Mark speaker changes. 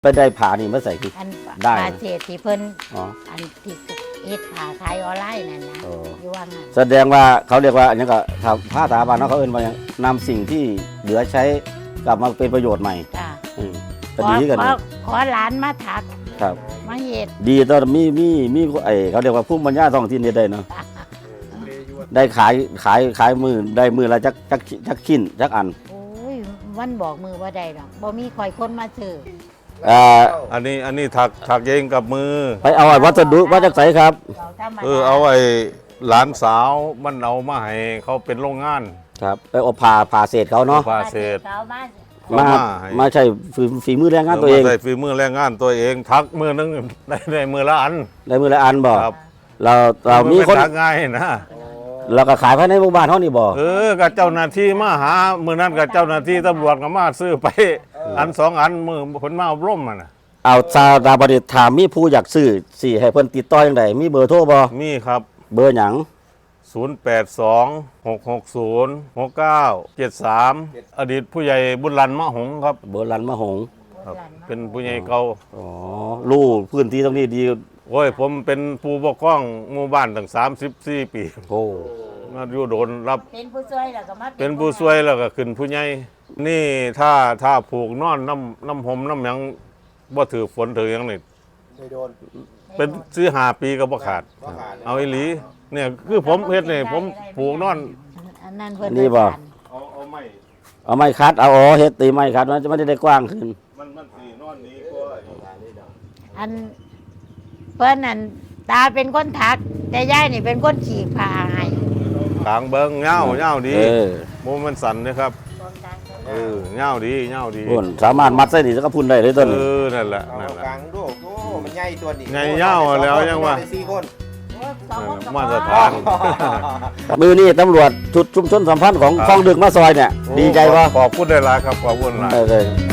Speaker 1: ไปได้ผ่านี่มาใส่คือ
Speaker 2: อัน
Speaker 1: ได้
Speaker 2: ปลาเศษที่เพิ่น
Speaker 1: อ๋อ
Speaker 2: อันที่เฮ็ดผ่าขายออนไลน์นั่นนะ
Speaker 1: โอ้
Speaker 2: อยู่ว่างั้น
Speaker 1: แสดงว่าเขาเรียกว่าอันนี้ก็ผ้าตาบานเขาเอิ้นว่าอย่างนำสิ่งที่เหลือใช้กลับมาเป็นประโยชน์ใหม่
Speaker 2: จ้ะ
Speaker 1: ก็ดีกัน
Speaker 2: ขอหลานมาถัก
Speaker 1: ครับ
Speaker 2: มาเฮ็ด
Speaker 1: ดีตอนมีไอเขาเรียกว่าผู้ปัญญาท้องถิ่นนี่ได้เนาะได้ขายมือได้มือละจักชิ้นจักอัน
Speaker 2: โอ้ยวันบอกมือว่าได้ดอกบ่มีคอยคนมาซื้อ
Speaker 3: อันนี้ถักเองกับมือ
Speaker 1: ไปเอาวัสดุมาจากไสครับ
Speaker 2: เราธรรมดา
Speaker 3: เอาไอ้หลานสาวมันเอามาให้เขาเป็นโรงงาน
Speaker 1: ครับไปเอาผ่าเศษเขาเนาะ
Speaker 3: ผ่าเศษ
Speaker 2: เขามา
Speaker 1: มา
Speaker 3: ให้
Speaker 1: มาใช้ฝีมือแรงงานตัวเอง
Speaker 3: ใส่ฝีมือแรงงานตัวเองทักมือนึงได้มือละอัน
Speaker 1: ได้มือละอันบ่
Speaker 3: ครับ
Speaker 1: เรามีคน
Speaker 3: ทักง่ายนะ
Speaker 1: เราก็ขายภายในหมู่บ้านเท่านี้บ่
Speaker 3: กับเจ้าหน้าที่มาหามือนั้นกับเจ้าหน้าที่ตำรวจก็มาซื้อไปอันสองอันมือผลมาอบรมมันนะ
Speaker 1: เอาซาดาบดิษฐ์ถามมีผู้อยากซื้อสิให้เพิ่นติดต่อจังไดมีเบอร์โทรบ่
Speaker 3: มีครับ
Speaker 1: เบอร์หยัง
Speaker 3: 0826606973 อดีตผู้ใหญ่บุญรันมะหงส์ครับ
Speaker 1: เบอร์ลันมะหง
Speaker 3: ครับ เป็นผู้ใหญ่เก่า
Speaker 1: อ๋อรู้พื้นที่ตรงนี้ดี
Speaker 3: โอ้ยผมเป็นผู้ปกครองหมู่บ้านตั้ง34 ปี
Speaker 1: โอ้
Speaker 3: มาอยู่โดนรับ
Speaker 2: เป็นผู้ช่วยแล้วก็มา
Speaker 3: เป็นผู้ช่วยแล้วก็ขึ้นผู้ใหญ่นี่ถ้าผูกนอนน้ำหอมน้ำหยังบ่ถือฝนถือหยังนี่
Speaker 4: ไม่โดน
Speaker 3: เป็นซื้อ5 ปีก็บ่ขาด
Speaker 4: ว่าขาด
Speaker 3: เอาอีหลีเนี่ยคือผมเฮ็ดนี่ผมผูกนอน
Speaker 2: อันนั้นเพิ่น
Speaker 1: นี่บ่
Speaker 3: เอาไม่
Speaker 1: เอาไม้คัดเอาเฮ็ดตีไม้คัดมันจะไม่ได้กว้างขึ้น
Speaker 3: มันสีนอนนี้ก็
Speaker 2: อันเพิ่นนั่นตาเป็นคนถัก แต่ยายนี่เป็นคนฉีกผ้าให้
Speaker 3: กลางเบิงเงาดี
Speaker 1: เออ
Speaker 3: โมมันสั่นนะครับเงาดี
Speaker 1: พุ่นสามารถมัดใส่นี่แล้วก็พุ่นได้เลยต้นนี้
Speaker 3: นั่นแหละ
Speaker 4: เอากลางดูโอ้มันใหญ่ตัวนี้
Speaker 3: ใหญ่ยาวแล้วยังว่า
Speaker 4: ได้4 คน
Speaker 3: มาตรฐาน
Speaker 1: มือนี่ตำรวจชุดชุมชนสัมพันธ์ของคลองดึกมาซอยเนี่ย ดีใจว่า
Speaker 3: ขอบคุณได้หลายครับขอบคุณหลาย
Speaker 1: ได้